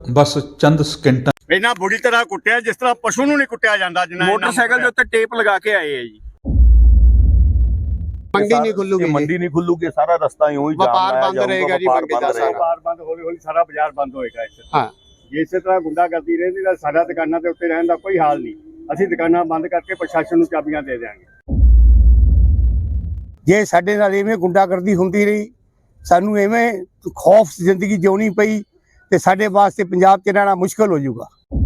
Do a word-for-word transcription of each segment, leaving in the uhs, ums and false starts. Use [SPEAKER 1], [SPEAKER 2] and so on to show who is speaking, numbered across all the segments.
[SPEAKER 1] ਬਸ ਚੰਦ ਸਕਿੰਟਾਂ
[SPEAKER 2] ਇਹਨਾਂ ਬੁਰੀ ਤਰ੍ਹਾਂ ਕੁੱਟਿਆ ਜਿਸ ਤਰ੍ਹਾਂ ਪਸ਼ੂ ਨੂੰ ਨਹੀਂ ਕੁੱਟਿਆ ਜਾਂਦਾ। ਜਿੰਨਾ
[SPEAKER 3] ਮੋਟਰਸਾਈਕਲ ਦੇ ਉੱਤੇ ਟੇਪ ਲਗਾ ਕੇ ਆਏ ਆ ਜੀ।
[SPEAKER 4] ਮੰਡੀ ਨਹੀਂ ਖੁੱਲੂਗੀ,
[SPEAKER 5] ਮੰਡੀ ਨਹੀਂ ਖੁੱਲੂਗੀ, ਸਾਰਾ ਰਸਤਾ ਹੀ ਉਹੀ
[SPEAKER 4] ਵਪਾਰ ਬੰਦ ਰਹੇਗਾ ਜੀ। ਮੰਡੀ ਦਾ ਸਾਰਾ
[SPEAKER 2] ਵਪਾਰ ਬੰਦ, ਹੌਲੀ ਹੌਲੀ ਸਾਰਾ ਬਾਜ਼ਾਰ ਬੰਦ ਹੋਏਗਾ ਇੱਥੇ।
[SPEAKER 4] ਹਾਂ,
[SPEAKER 2] ਜੇ ਇਸੇ ਤਰ੍ਹਾਂ ਗੁੰਡਾਗਰਦੀ ਰਹਿੰਦੀ ਤਾਂ ਸਾਡਾ ਦੁਕਾਨਾਂ ਦੇ ਉੱਤੇ ਰਹਿਣ ਦਾ ਕੋਈ ਹਾਲ ਨਹੀਂ। ਅਸੀਂ ਦੁਕਾਨਾਂ ਬੰਦ ਕਰਕੇ ਪ੍ਰਸ਼ਾਸਨ ਨੂੰ ਚਾਬੀਆਂ ਦੇ ਦਿਆਂਗੇ।
[SPEAKER 6] ਜੇ ਸਾਡੇ ਨਾਲ ਇਵੇਂ ਗੁੰਡਾਗਰਦੀ ਹੁੰਦੀ ਰਹੀ, ਸਾਨੂੰ ਇਵੇਂ ਖੌਫ ਜ਼ਿੰਦਗੀ ਜਿਉਣੀ ਪਈ ਤੇ ਸਾਡੇ ਵਾਸਤੇ ਪੰਜਾਬ 'ਚ ਰਹਿਣਾ ਮੁਸ਼ਕਲ ਹੋ ਜਾਊਗਾ।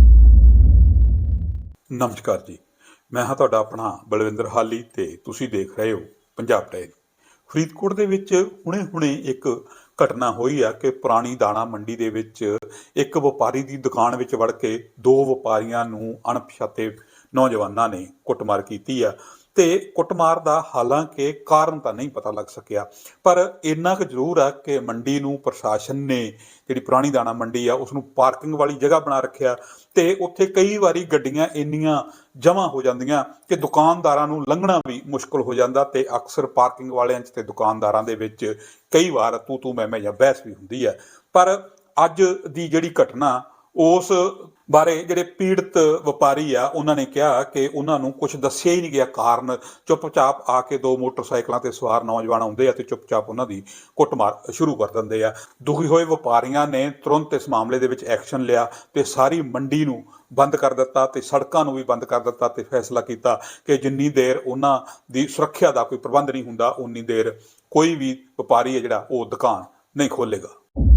[SPEAKER 1] ਨਮਸਕਾਰ ਜੀ, ਮੈਂ ਹਾਂ ਤੁਹਾਡਾ ਆਪਣਾ ਬਲਵਿੰਦਰ ਹਾਲੀ ਤੇ ਤੁਸੀਂ ਦੇਖ ਰਹੇ ਹੋ ਪੰਜਾਬ ਡਾਇਰੀ। ਫਰੀਦਕੋਟ ਦੇ ਵਿੱਚ ਹੁਣੇ-ਹੁਣੇ ਇੱਕ ਘਟਨਾ ਹੋਈ ਆ ਕਿ ਪੁਰਾਣੀ ਦਾਣਾ ਮੰਡੀ ਦੇ ਵਿੱਚ ਇੱਕ ਵਪਾਰੀ ਦੀ ਦੁਕਾਨ ਵਿੱਚ ਵੜ ਕੇ ਦੋ ਵਪਾਰੀਆਂ ਨੂੰ ਅਣਪਛਾਤੇ ਨੌਜਵਾਨਾਂ ਨੇ ਕੁੱਟਮਾਰ ਕੀਤੀ ਆ ਤੇ ਕੁੱਟਮਾਰ ਦਾ ਹਾਲਾਂਕਿ ਕਾਰਨ ਤਾਂ ਨਹੀਂ ਪਤਾ ਲੱਗ ਸਕਿਆ, ਪਰ ਇੰਨਾ ਕੁ ਜ਼ਰੂਰ ਆ ਕਿ ਮੰਡੀ ਨੂੰ ਪ੍ਰਸ਼ਾਸਨ ਨੇ, ਜਿਹੜੀ ਪੁਰਾਣੀ ਦਾਣਾ ਮੰਡੀ ਆ, ਉਸ ਨੂੰ ਪਾਰਕਿੰਗ ਵਾਲੀ ਜਗ੍ਹਾ ਬਣਾ ਰੱਖਿਆ ਤੇ ਉੱਥੇ ਕਈ ਵਾਰੀ ਗੱਡੀਆਂ ਇੰਨੀਆਂ ਜਮ੍ਹਾਂ ਹੋ ਜਾਂਦੀਆਂ ਕਿ ਦੁਕਾਨਦਾਰਾਂ ਨੂੰ ਲੰਘਣਾ ਵੀ ਮੁਸ਼ਕਲ ਹੋ ਜਾਂਦਾ ਤੇ ਅਕਸਰ ਪਾਰਕਿੰਗ ਵਾਲਿਆਂ 'ਚ ਤੇ ਦੁਕਾਨਦਾਰਾਂ ਦੇ ਵਿੱਚ ਕਈ ਵਾਰ ਤੂੰ ਤੂੰ ਮੈਂ ਮੈਂ ਜਾਂ ਬਹਿਸ ਵੀ ਹੁੰਦੀ ਹੈ। ਪਰ ਅੱਜ ਦੀ ਜਿਹੜੀ ਘਟਨਾ, ਉਸ ਬਾਰੇ ਜਿਹੜੇ ਪੀੜਤ ਵਪਾਰੀ ਆ ਉਹਨਾਂ ਨੇ ਕਿਹਾ ਕਿ ਉਹਨਾਂ ਨੂੰ ਕੁਝ ਦੱਸਿਆ ਹੀ ਨਹੀਂ ਗਿਆ ਕਾਰਨ। ਚੁੱਪਚਾਪ ਆ ਕੇ ਦੋ ਮੋਟਰਸਾਈਕਲਾਂ ਤੇ ਸਵਾਰ ਨੌਜਵਾਨ ਆਉਂਦੇ ਆ ਤੇ ਚੁੱਪਚਾਪ ਉਹਨਾਂ ਦੀ ਕੁੱਟਮਾਰ ਸ਼ੁਰੂ ਕਰ ਦਿੰਦੇ ਆ। ਦੁਖੀ ਹੋਏ ਵਪਾਰੀਆਂ ਨੇ ਤੁਰੰਤ ਇਸ ਮਾਮਲੇ ਦੇ ਵਿੱਚ ਐਕਸ਼ਨ ਲਿਆ ਤੇ ਸਾਰੀ ਮੰਡੀ ਨੂੰ ਬੰਦ ਕਰ ਦਿੱਤਾ ਤੇ ਸੜਕਾਂ ਨੂੰ ਵੀ ਬੰਦ ਕਰ ਦਿੱਤਾ ਤੇ ਫੈਸਲਾ ਕੀਤਾ ਕਿ ਜਿੰਨੀ ਦੇਰ ਉਹਨਾਂ ਦੀ ਸੁਰੱਖਿਆ ਦਾ ਕੋਈ ਪ੍ਰਬੰਧ ਨਹੀਂ ਹੁੰਦਾ, ਉਨੀ ਦੇਰ ਕੋਈ ਵੀ ਵਪਾਰੀ ਹੈ ਜਿਹੜਾ ਉਹ ਦੁਕਾਨ ਨਹੀਂ ਖੋਲੇਗਾ।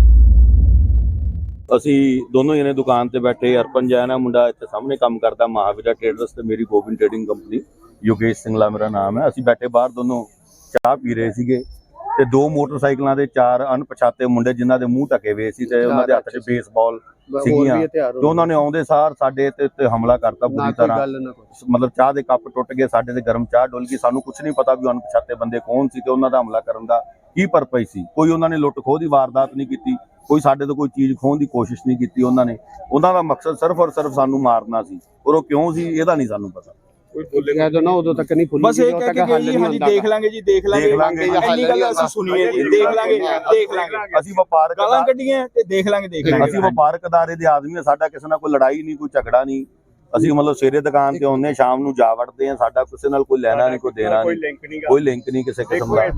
[SPEAKER 5] ਅਸੀਂ ਦੋਨੋਂ ਜਣੇ ਦੁਕਾਨ ਤੇ ਬੈਠੇ। ਅਰਪਨ ਜੈਨ ਆ ਮੁੰਡਾ, ਇੱਥੇ ਸਾਹਮਣੇ ਕੰਮ ਕਰਦਾ ਮਹਾਵੀਰਾ ਟ੍ਰੇਡਰਸ, ਤੇ ਮੇਰੀ ਗੋਬਿੰਦ ਟ੍ਰੇਡਿੰਗ ਕੰਪਨੀ, ਯੋਗੇਸ਼ ਸਿੰਘਲਾ ਮੇਰਾ ਨਾਮ ਹੈ। ਅਸੀਂ ਬੈਠੇ ਬਾਹਰ ਦੋਨੋਂ ਚਾਹ ਪੀ ਰਹੇ ਸੀਗੇ ਤੇ ਦੋ ਮੋਟਰਸਾਈਕਲਾਂ ਦੇ ਚਾਰ ਅਣਪਛਾਤੇ ਮੁੰਡੇ ਜਿਨ੍ਹਾਂ ਦੇ ਮੂੰਹ ਢਕੇ ਹੋਏ ਸੀ ਤੇ ਉਹਨਾਂ ਦੇ ਹੱਥ 'ਚ ਬੇਸਬਾਲ ਸੀਗੀਆਂ ਤੇ ਉਹਨਾਂ ਨੇ ਆਉਂਦੇ ਸਾਰ ਸਾਡੇ ਤੇ ਉੱਤੇ ਹਮਲਾ ਕਰਤਾ ਬੁਰੀ ਤਰ੍ਹਾਂ। ਮਤਲਬ ਚਾਹ ਦੇ ਕੱਪ ਟੁੱਟ ਗਏ, ਸਾਡੇ ਤੇ ਗਰਮ ਚਾਹ ਡੁੱਲ ਗਈ। ਸਾਨੂੰ ਕੁਝ ਨਹੀਂ ਪਤਾ ਵੀ ਅਣਪਛਾਤੇ ਬੰਦੇ ਕੌਣ ਸੀ ਤੇ ਉਹਨਾਂ ਦਾ ਹਮਲਾ ਕਰਨ ਦਾ ਕੀ ਪਰਪਸ ਸੀ। ਕੋਈ ਉਹਨਾਂ ਨੇ ਲੁੱਟ ਖੋਹ ਦੀ ਵਾਰਦਾਤ ਨਹੀਂ ਕੀਤੀ, ਕੋਈ ਸਾਡੇ ਤੋਂ ਕੋਈ ਚੀਜ਼ ਖੋਹਣ ਦੀ ਕੋਸ਼ਿਸ਼ ਨਹੀਂ ਕੀਤੀ। ਉਹਨਾਂ ਨੇ ਉਹਨਾਂ ਦਾ ਮਕਸਦ ਸਿਰਫ ਔਰ ਸਿਰਫ ਸਾਨੂੰ ਮਾਰਨਾ ਸੀ, ਔਰ ਉਹ ਕਿਉਂ ਸੀ ਇਹਦਾ ਨਹੀਂ ਸਾਨੂੰ ਪਤਾ।
[SPEAKER 4] ਕੋਈ ਬੋਲੇਗਾ ਨਾ ਉਦੋਂ ਤੱਕ ਨਹੀਂ ਖੁੱਲੂਗੀ।
[SPEAKER 3] ਬਸ ਇਹ ਕਹਿ ਕੇ ਗਈ ਹਾਂਜੀ ਦੇਖ ਲਾਂਗੇ ਜੀ, ਦੇਖ ਲਾਂਗੇ। ਇੰਨੀ ਗੱਲ ਅਸੀਂ ਸੁਣੀਏ ਜੀ, ਦੇਖ ਲਾਂਗੇ ਦੇਖ ਲਾਂਗੇ।
[SPEAKER 5] ਅਸੀਂ ਵਪਾਰਕ
[SPEAKER 3] ਗਾਲਾਂ ਕੱਢੀਆਂ ਤੇ ਦੇਖ ਲਾਂਗੇ ਦੇਖ ਲਾਂਗੇ।
[SPEAKER 5] ਅਸੀਂ ਵਪਾਰਕ ਅਦਾਰੇ ਦੇ ਆਦਮੀ ਆ, ਸਾਡਾ ਕਿਸੇ ਨਾਲ ਕੋਈ ਲੜਾਈ ਨਹੀਂ, ਕੋਈ ਝਗੜਾ ਨਹੀਂ। ਅਸੀਂ ਮਤਲਬ ਸਵੇਰੇ ਦੁਕਾਨ ਤੇ ਆਉਂਦੇ, ਸ਼ਾਮ ਨੂੰ ਜਾ ਵੜਦੇ ਆ। ਸਾਡਾ ਕਿਸੇ ਨਾਲ ਕੋਈ ਲੈਣਾ ਨਹੀਂ, ਕੋਈ ਦੇਣਾ ਨਹੀਂ, ਕੋਈ ਲਿੰਕ ਨਹੀਂ ਕਿਸੇ ਕਿਸਮ ਦਾ।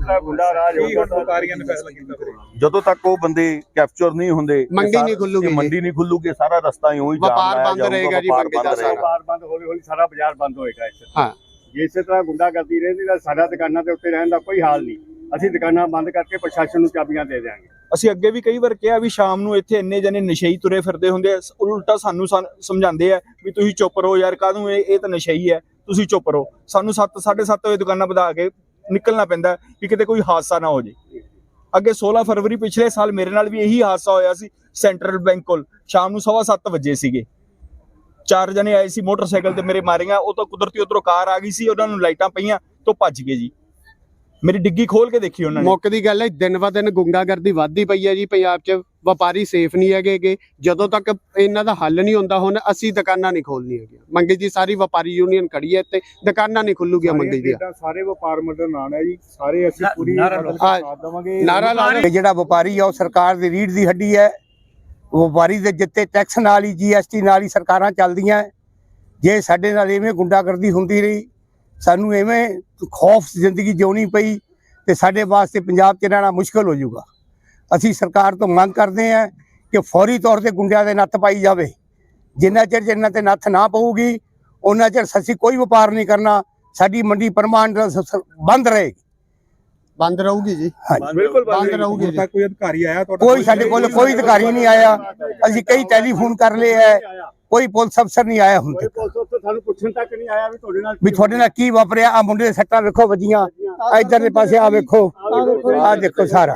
[SPEAKER 5] ਜਦੋਂ ਤੱਕ ਉਹ ਬੰਦੇ ਕੈਪਚਰ ਨਹੀਂ ਹੁੰਦੇ,
[SPEAKER 4] ਮੰਡੀ ਨਹੀਂ ਖੁੱਲੂਗੀ,
[SPEAKER 5] ਮੰਡੀ ਨਹੀਂ ਖੁੱਲੂਗੀ, ਸਾਰਾ ਰਸਤਾ ਹੀ ਉਹੀ
[SPEAKER 4] ਵਪਾਰ ਬੰਦ ਰਹੇਗਾ ਜੀ। ਮੰਡੀ ਦਾ ਸਾਰਾ
[SPEAKER 2] ਵਪਾਰ ਬੰਦ, ਹੌਲੀ ਹੌਲੀ ਸਾਰਾ ਬਾਜ਼ਾਰ ਬੰਦ ਹੋਏਗਾ ਇੱਥੇ।
[SPEAKER 4] ਹਾਂ,
[SPEAKER 2] ਜੇ ਇਸੇ ਤਰ੍ਹਾਂ ਗੁੰਡਾਗਰਦੀ ਰਹਿੰਦੀ ਤਾਂ ਸਾਡਾ ਦੁਕਾਨਾਂ ਦੇ ਉੱਤੇ ਰਹਿਣ ਦਾ ਕੋਈ ਹਾਲ ਨਹੀਂ। ਅਸੀਂ ਦੁਕਾਨਾਂ ਬੰਦ ਕਰਕੇ ਪ੍ਰਸ਼ਾਸਨ ਨੂੰ ਚਾਬੀਆਂ ਦੇ ਦਿਆਂਗੇ।
[SPEAKER 3] ਅਸੀਂ ਅੱਗੇ ਵੀ ਕਈ ਵਾਰ ਕਿਹਾ ਵੀ ਸ਼ਾਮ ਨੂੰ ਇੱਥੇ ਇੰਨੇ ਜਣੇ ਨਸ਼ਈ ਤੁਰੇ ਫਿਰਦੇ ਹੁੰਦੇ ਆ, ਉਲਟਾ ਸਾਨੂੰ ਸਮਝਾਉਂਦੇ ਆ ਵੀ ਤੁਸੀਂ ਚੁੱਪ ਰਹੋ ਯਾਰ, ਕਾਹਨੂੰ ਇਹ ਇਹ ਤਾਂ ਨਸ਼ਈ ਹੈ, ਤੁਸੀਂ ਚੁੱਪ ਰਹੋ। ਸਾਨੂੰ ਸੱਤ ਸਾਢੇ ਸੱਤ ਵਜੇ ਦੁਕਾਨਾਂ ਵਧਾ ਕੇ ਨਿਕਲਣਾ ਪੈਂਦਾ ਕਿ ਕਿਤੇ ਕੋਈ ਹਾਦਸਾ ਨਾ ਹੋ ਜੇ। ਅੱਗੇ ਸੋਲਾਂ ਫਰਵਰੀ ਪਿਛਲੇ ਸਾਲ ਮੇਰੇ ਨਾਲ ਵੀ ਇਹੀ ਹਾਦਸਾ ਹੋਇਆ ਸੀ ਸੈਂਟਰਲ ਬੈਂਕ ਕੋਲ। ਸ਼ਾਮ ਨੂੰ ਸਵਾ ਸੱਤ ਵਜੇ ਸੀਗੇ, ਚਾਰ ਜਣੇ ਆਏ ਸੀ ਮੋਟਰਸਾਈਕਲ ਤੇ ਮੇਰੇ ਮਾਰੀਆਂ। ਉਹ ਤਾਂ ਕੁਦਰਤੀ ਉਧਰੋਂ ਕਾਰ ਆ ਗਈ ਸੀ, ਉਹਨਾਂ ਨੂੰ ਲਾਈਟਾਂ ਪਈਆਂ ਤੋਂ ਭੱਜ ਗਏ ਜੀ। ਮੇਰੀ ਡਿੱਗੀ ਖੋਲ ਕੇ ਦੇਖੀ ਉਹਨਾਂ ਨੇ।
[SPEAKER 4] ਮੁੱਕ ਦੀ ਗੱਲ ਹੈ, ਦਿਨ ਬ ਦਿਨ ਗੁੰਡਾਗਰਦੀ ਵੱਧਦੀ ਪਈ ਹੈ ਜੀ ਪੰਜਾਬ 'ਚ। ਵਪਾਰੀ ਸੇਫ ਨਹੀਂ ਹੈਗੇ। ਜਦੋਂ ਤੱਕ ਇਹਨਾਂ ਦਾ ਹੱਲ ਨਹੀਂ ਹੁੰਦਾ, ਹੁਣ ਅਸੀਂ ਦੁਕਾਨਾਂ ਨਹੀਂ ਖੋਲਣੀ ਹੈਗੀਆਂ। ਮੰਡੀ ਦੀ ਸਾਰੀ ਵਪਾਰੀ ਯੂਨੀਅਨ ਖੜੀ ਹੈ ਤੇ ਦੁਕਾਨਾਂ ਨਹੀਂ ਖੁੱਲੂਗੀਆਂ ਮੰਡੀ ਦੀਆਂ।
[SPEAKER 2] ਸਾਰੇ ਵਪਾਰ ਮੰਡਲ ਨਾਲ ਹੈ ਜੀ, ਸਾਰੇ ਅਸੀਂ ਪੂਰੀ ਸਾਥ ਦੇਵਾਂਗੇ।
[SPEAKER 4] ਨਾਰਾ ਲਾ ਰਹੇ
[SPEAKER 6] ਜਿਹੜਾ ਵਪਾਰੀ ਆ ਉਹ ਸਰਕਾਰ ਦੀ ਰੀੜ੍ਹ ਦੀ ਹੱਡੀ ਹੈ। ਵਪਾਰੀ ਦੇ ਜਿੱਤੇ ਟੈਕਸ ਨਾਲ ਹੀ, ਜੀ ਐਸ ਟੀ ਨਾਲ ਹੀ ਸਰਕਾਰਾਂ ਚੱਲਦੀਆਂ। ਜੇ ਸਾਡੇ ਨਾਲ ਇਵੇਂ ਗੁੰਡਾਗਰਦੀ ਹੁੰਦੀ ਰਹੀ, ਸਾਨੂੰ ਇਵੇਂ ਖੌਫ ਜ਼ਿੰਦਗੀ ਜਿਉਣੀ ਪਈ ਤੇ ਸਾਡੇ ਵਾਸਤੇ ਪੰਜਾਬ 'ਚ ਰਹਿਣਾ ਮੁਸ਼ਕਲ ਹੋ ਜਾਊਗਾ। ਅਸੀਂ ਸਰਕਾਰ ਤੋਂ ਮੰਗ ਕਰਦੇ ਹਾਂ ਕਿ ਫੌਰੀ ਤੌਰ ਤੇ ਗੁੰਡਿਆਂ ਦੇ ਨੱਥ ਪਾਈ ਜਾਵੇ। ਜਿੰਨਾ ਚਿਰ ਜਿੰਨਾ ਤੇ ਨੱਥ ਨਾ ਪਊਗੀ ਉਹਨਾਂ ਚਿਰ ਅਸੀਂ ਕੋਈ ਵਪਾਰ ਨਹੀਂ ਕਰਨਾ। ਸਾਡੀ ਮੰਡੀ ਪਰਮਾਨੈਂਟ ਬੰਦ ਰਹੇਗੀ।
[SPEAKER 4] ਬੰਦ ਰਹੂਗੀ ਜੀ,
[SPEAKER 3] ਬਿਲਕੁਲ
[SPEAKER 4] ਬੰਦ ਰਹੂਗੀ ਜੀ।
[SPEAKER 3] ਕੋਈ ਅਧਿਕਾਰੀ ਆਇਆ ਤੁਹਾਡਾ?
[SPEAKER 6] ਕੋਈ ਸਾਡੇ ਕੋਲ ਕੋਈ ਅਧਿਕਾਰੀ ਨਹੀਂ ਆਇਆ। ਅਸੀਂ ਕਈ ਟੈਲੀਫੋਨ ਕਰ ਲਏ ਹੈ, ਕੋਈ ਪੁਲਿਸ ਅਫਸਰ ਨਹੀਂ ਆਇਆ ਹੁਣ ਤੱਕ।
[SPEAKER 2] ਸਾਨੂੰ ਪੁੱਛਣ ਤੱਕ ਨਹੀਂ ਆਇਆ ਵੀ ਤੁਹਾਡੇ ਨਾਲ
[SPEAKER 6] ਵੀ ਤੁਹਾਡੇ ਨਾਲ ਕੀ ਵਾਪਰਿਆ। ਆ ਮੁੰਡੇ ਦੇ ਸੱਟਾਂ ਵੇਖੋ ਵੱਜੀਆਂ, ਇਧਰਲੇ ਪਾਸੇ ਆ ਵੇਖੋ, ਆ ਦੇਖੋ ਸਾਰਾ।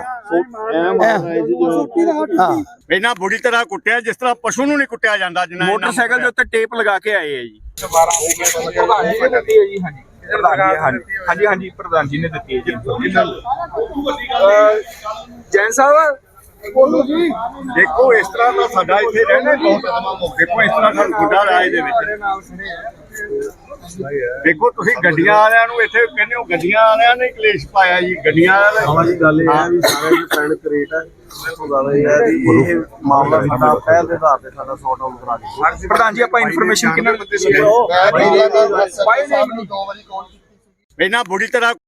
[SPEAKER 6] ਹਾਂ,
[SPEAKER 2] ਇਹਨਾਂ ਬੁਰੀ ਤਰ੍ਹਾਂ ਕੁੱਟਿਆ ਜਿਸ ਤਰ੍ਹਾਂ ਪਸ਼ੂ ਨੂੰ ਨਹੀਂ ਕੁੱਟਿਆ ਜਾਂਦਾ। ਜਿੰਨਾ
[SPEAKER 3] ਮੋਟਰਸਾਈਕਲ ਦੇ ਉੱਤੇ ਟੇਪ ਲਗਾ ਕੇ ਆਏ ਆ ਜੀ। ਹਾਂਜੀ ਹਾਂਜੀ ਪ੍ਰਧਾਨ ਜੀ ਨੇ ਦਿੱਤੀ ਹੈ ਜੀ। ਜੈਨ ਸਾਹਿਬ
[SPEAKER 2] ਬੋਲੋ ਜੀ। ਦੇਖੋ ਇਸ ਤਰ੍ਹਾਂ ਦਾ ਸਾਡਾ ਇੱਥੇ ਰਹਿਣਾ ਬਹੁਤ। ਦੇਖੋ ਇਸ ਤਰ੍ਹਾਂ ਸਾਨੂੰ ਗੁੰਡਾ ਰਾਜ ਦੇ ਵਿੱਚ ਦੇਖੋ ਤੁਸੀਂ ਗੱਡੀਆਂ ਵਾਲਿਆਂ ਨੂੰ ਇੱਥੇ ਕਹਿੰਦੇ ਹੋ ਗੱਡੀਆਂ ਵਾਲਿਆਂ ਨੇ ਕਲੇਸ਼ ਪਾਇਆ ਜੀ, ਗੱਡੀਆਂ ਵਾਲਿਆਂ
[SPEAKER 7] ਆਵਾਂ ਜੀ ਗੱਲ ਇਹ ਹੈ ਵੀ ਸਾਰੇ ਦੇ ਪੈਣ ਕਰੇਟ ਹੈ ਉਹ ਗੱਲ ਇਹ ਹੈ ਵੀ ਇਹ ਮਾਮਲਾ ਸਾਡਾ ਪਹਿਲ ਦੇ ਆਧਾਰ ਤੇ ਸਾਡਾ ਸੌਟ ਆਊਟ ਕਰਾ ਦਿੱਤਾ।
[SPEAKER 3] ਪ੍ਰਧਾਨ ਜੀ ਆਪਾਂ ਇਨਫੋਰਮੇਸ਼ਨ ਕਿੰਨਾ
[SPEAKER 2] ਇਹਨਾਂ ਬੁਰੀ ਤਰ੍ਹਾਂ